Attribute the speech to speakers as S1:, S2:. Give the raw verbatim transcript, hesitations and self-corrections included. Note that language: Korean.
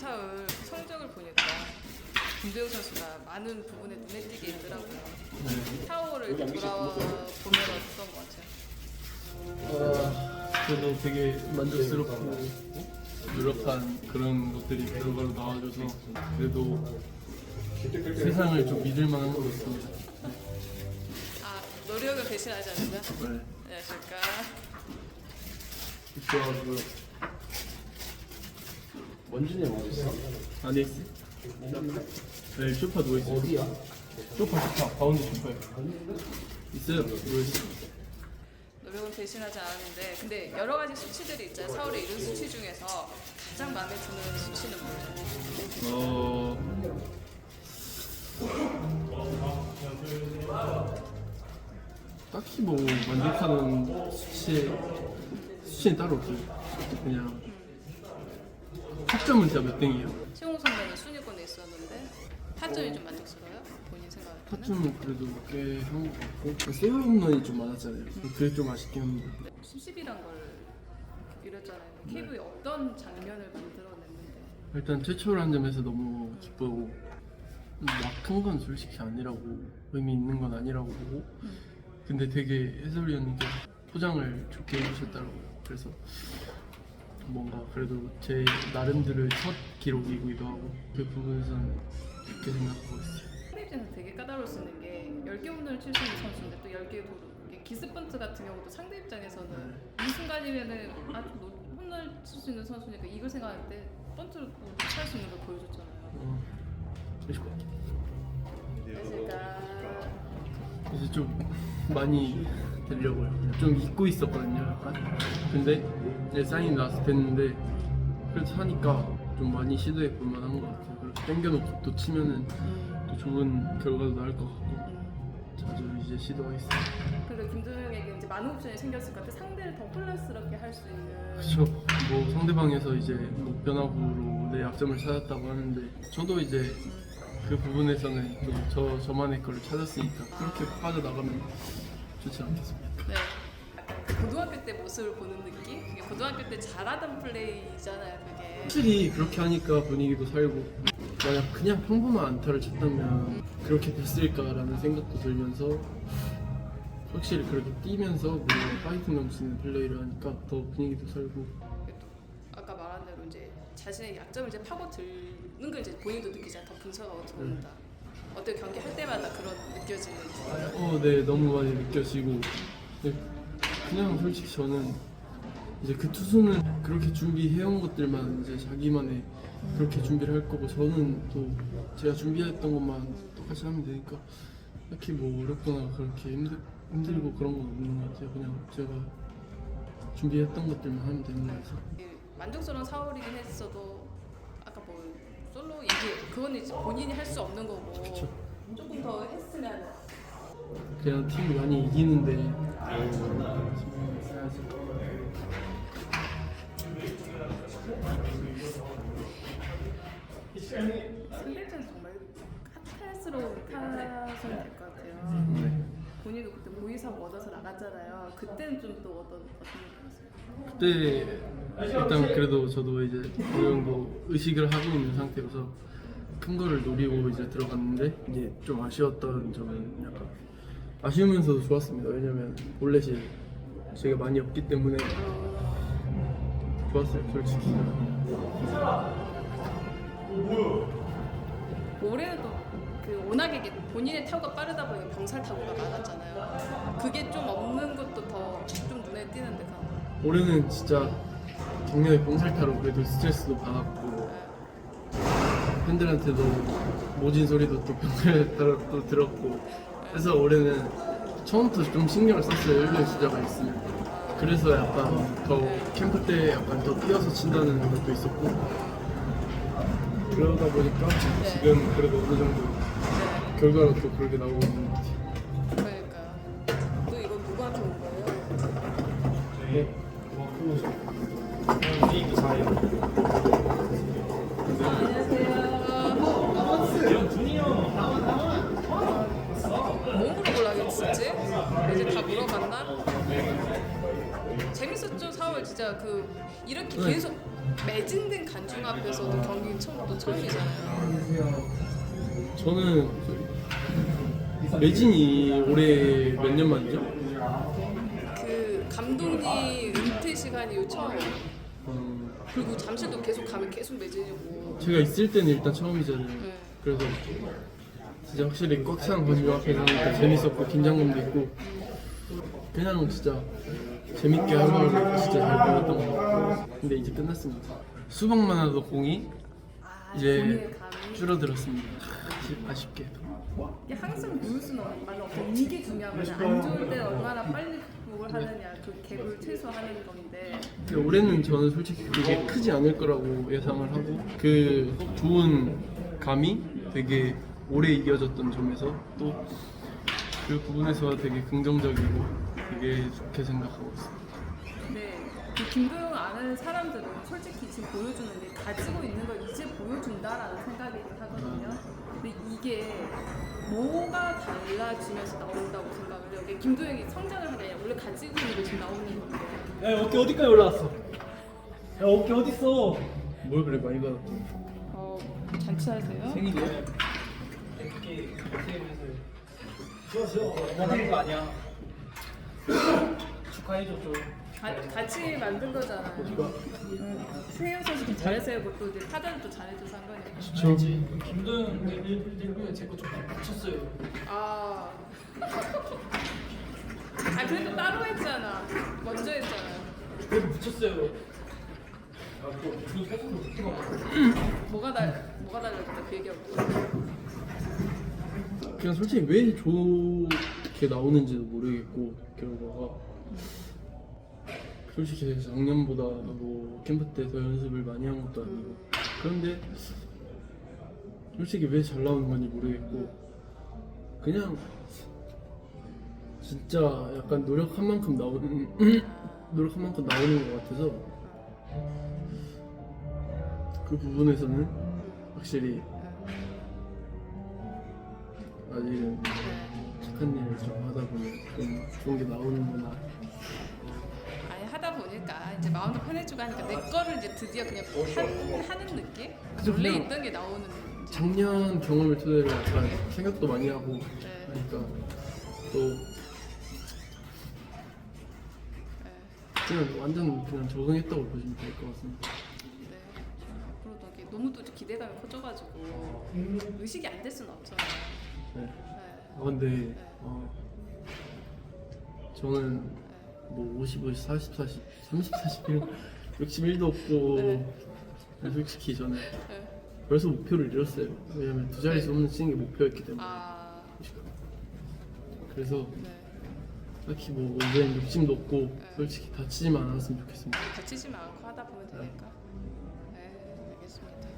S1: 사흘 성적을 보니까 김도영 선수가 많은 부분에 눈에 띄게 있더라고요.
S2: 네.
S1: 사월을 이렇게 돌아보면 어떤 것 같아요?
S2: 어, 그래도 되게 만족스럽고 노력한 그런 것들이 결과로 나와줘서 그래도 세상을 좀 믿을 만한 것 같습니다.
S1: 아, 노력을 배신하지 않는다?
S2: 네.
S1: 안녕하십니까.
S2: 좋아하고요.
S3: 원준이 형 어디 있어?
S2: 안에 있어? 네, 소파 누워 있어요.
S3: 어디야?
S2: 소파, 소파, 가운데 소파에 있어요. 누워 있어.
S1: 노력은 배신하지 않았는데 근데 여러 가지 수치들이 있잖아요. 사월에 이룬 수치 중에서 가장 마음에 드는 수치는 뭐예요?
S2: 어. 딱히 뭐 만족하는 수치 수치는 따로 없어요. 그냥 학점은 진짜 몇 등이에요.
S1: 최홍 선배는 순위권에 있었는데 타점이 좀 만족스러워요? 본인 생각할 때는?
S2: 학점은 그래도 꽤 한 것 같고 세이브 홈런이 좀 많았잖아요. 그게 좀 아쉽긴 합니다.
S1: 십십이란 걸 이뤘잖아요. 케이브의 어떤 장면을 만들어냈는데
S2: 일단 최초로 한 점에서 너무 기쁘고 막한 건 솔직히 아니라고 의미 있는 건 아니라고 보고 근데 되게 해설위원님께서 포장을 좋게 해주셨더라고요. 그래서 뭔가 그래도 제 나름대로의 첫 기록이기도 하고 그 부분에서는 좋게 생각하고 있어요.
S1: 상대입장에서 되게 까다로울 수 있는 게 열 개 홈런을 칠 수 있는 선수인데 또 열 개 도루 이게 기습번트 같은 경우도 상대 입장에서는 이 순간이면은 아주 홈런을 칠 수 있는 선수니까 이걸 생각할 때 번트를 찰 수 있는 걸 보여줬잖아요.
S2: 어, 그러실 것 같아요.
S1: 그러니까
S2: 그래서 좀 많이 되려고요. 좀 잊고 있었거든요, 약간. 근데 이제 사인이 나와서 됐는데 그래도 하니까 좀 많이 시도해 볼 만한 것 같아요. 그렇게 당겨놓고 또 치면은 또 좋은 결과도 나올 것 같고 자주 이제 시도하겠습니다.
S1: 그리고 김도영에게 이제 많은 옵션이 생겼을 것 같아. 상대를 더 혼란스럽게 할 수 있는.
S2: 그렇죠. 뭐 상대방에서 이제 뭐 변화구로 내 약점을 찾았다고 하는데 저도 이제 그 부분에서는 좀 저 저만의 걸 찾았으니까 그렇게 빠져나가면 좋지 않겠습니까?
S1: 네. 약간 그 고등학교 때 모습을 보는 느낌? 그게 고등학교 때 잘하던 플레이잖아요, 그게.
S2: 확실히 그렇게 하니까 분위기도 살고 만약 그냥 평범한 안타를 쳤다면 그렇게 됐을까라는 생각도 들면서 확실히 그렇게 뛰면서 뭔가 파이팅 넘치는 플레이를 하니까 더 분위기도 살고
S1: 그게 또 아까 말한 대로 이제 자신의 약점을 이제 파고 들는 걸 이제 본인도 느끼잖아. 더 분석하고 들어온다. 어때 경기 할 때마다 그런 느껴지는.
S2: 어, 네 너무 많이 느껴지고 네, 그냥 솔직히 저는 이제 그 투수는 그렇게 준비해온 것들만 이제 자기만의 그렇게 준비를 할 거고 저는 또 제가 준비했던 것만 똑같이 하면 되니까 딱히 뭐 어렵거나 그렇게 힘들, 힘들고 그런 건 없는 것 같아요. 그냥 제가 준비했던 것들만 하면 되는 거라서
S1: 만족스러운 사월이긴 했어도 아까 뭐 솔로 얘기 그건 이제 본인이 할 수 없는 거고
S2: 그쵸.
S1: 조금 더 했으면
S2: 그냥 팀이 많이 이기는데 지금 해야지.
S1: 상대편에서 정말 핫스러운 타선이 될 것 같아요.
S2: 네.
S1: 본인도 그때 모의사고 얻어서 나갔잖아요. 그때는 좀 또 어떤 어떤 느낌이었어요?
S2: 그때 일단 그래도 저도 이제 어느 정도 의식을 하고 있는 상태여서 큰 거를 노리고 이제 들어갔는데 이제 좀 아쉬웠던 점은 약간 아쉬우면서도 좋았습니다. 왜냐면 볼넷이 제가 많이 없기 때문에 좋았어요, 솔직히.
S1: 올해는 또 그 워낙에 이게 본인의 타구가 빠르다 보니까 병살 타구가 많았잖아요. 그게 좀 없는 것도 더 좀 눈에 띄는데 가.
S2: 올해는 진짜 작년에 봉살타로 그래도 스트레스도 받았고 팬들한테도 모진 소리도 또 병살타로 또 들었고 그래서 올해는 처음부터 좀 신경을 썼어요. 일루의 주자가 있으면 그래서 약간 더 캠프 때 약간 더 뛰어서 친다는 것도 있었고 그러다 보니까 지금 그래도 어느 정도 결과로 또 그렇게 나오고 있는 것 같아요.
S1: 그러니까 또 이건 누구한테 온 거예요?
S2: 네.
S3: 리그 사예요.
S1: 몸으로 골라겠지? 이제 다 물어봤나? 재밌었죠 사월 진짜 그 이렇게 계속 매진된 관중 앞에서도 경기 처음 또 처음이잖아요.
S2: 저는 매진이 올해 몇 년 만이죠?
S1: 그 감독님 은퇴 시간이 요 처음이에요.
S2: 음,
S1: 그리고 잠실도 계속 가면 계속 매진이고.
S2: 제가 있을 때는 일단 처음이잖아요.
S1: 네.
S2: 그래서 진짜 확실히 꽉 찬 관중 앞에서 하니까 재밌었고 긴장감도 있고 그냥 진짜 재밌게 하루하루 진짜 잘 보냈던 것 같고 근데 이제 끝났습니다. 수박만 하도 공이
S1: 아,
S2: 이제
S1: 본인의 감이.
S2: 줄어들었습니다. 아쉽게.
S1: 이게 항상 누수는 말로 없고 이게 중요한 거죠. 안 좋을 때 얼마나 빨리 극복을 하느냐, 그 갭을 최소화하는 건데.
S2: 근데 올해는 저는 솔직히 그게 크지 않을 거라고 예상을 하고 그 좋은 감이 되게 오래 이어졌던 점에서 또 그 부분에서 되게 긍정적이고 되게 좋게 생각하고 있습니다.
S1: 근데 그 김도영 아는 사람들은 솔직히 지금 보여주는 게 가지고 있는 걸 이제 보여준다라는 생각이긴 하거든요. 근데 이게 뭐가 달라지면서 나온다고 생각을 해요. 이게 김도영이 성장을 하게 아니라 원래 가지고 있는 게 지금 나오는 건데.
S4: 야 어깨 어디까지 올라왔어? 야 어깨 어딨어?
S2: 뭘 그래 많이 받았죠?
S1: 어, 잔치하세요?
S2: 생일이야?
S4: 좋아 좋아 원하는 거 아니야. 축하해줘 좀.
S1: 가, 같이 만든 거잖아요. 응. 세영 선수도 잘해서 고 또 이제 타자도 잘해줘서 한 거니까.
S2: 좋죠.
S4: 김도영 일부에 제거 좀 붙였어요.
S1: 아. 아 그래도 따로 했잖아. 먼저 했잖아요.
S4: 그래도 붙였어요. 아또 무슨 사진도 붙여가.
S1: 뭐가 달 뭐가 달라졌다 그 얘기하고.
S2: 그냥 솔직히 왜 좋게 나오는지도 모르겠고 결과가 솔직히 작년보다 뭐 캠프 때 더 연습을 많이 한 것도 아니고 그런데 솔직히 왜 잘 나오는 건지 모르겠고 그냥 진짜 약간 노력한 만큼 나오는 노력한 만큼 나오는 것 같아서 그 부분에서는 확실히 아직은 착한 일을 좀 하다 보면 좀 좋은 게 나오는구나.
S1: 아니 하다 보니까 이제 마음도 편해지고 하니까 내 거를 이제 드디어 그냥 한, 하는 느낌?
S2: 그죠,
S1: 원래
S2: 그냥
S1: 있던 게 나오는.
S2: 작년 경험을 토대로 약간 생각도 많이 하고
S1: 네.
S2: 하니까 또
S1: 네.
S2: 그냥 완전 그냥 적응했다고 보시면 될 것 같습니다.
S1: 네. 앞으로도 이게 너무 또 기대감이 커져가지고 의식이 안 될 수는 없잖아요.
S2: 네.
S1: 네.
S2: 아, 근데 어, 저는 뭐 오십오, 사십, 사십, 삼십, 사십일, 육십일도 없고
S1: 네.
S2: 솔직히 저는
S1: 네.
S2: 벌써 목표를 잃었어요. 왜냐면 두 자릿수 홈런 치는 게 목표였기 때문에.
S1: 아.
S2: 그래서
S1: 네.
S2: 딱히 뭐 이제는 욕심도 없고 솔직히 다치지만 않았으면 좋겠습니다.
S1: 다치지만 않고 하다 보면 되니까. 네, 알겠습니다.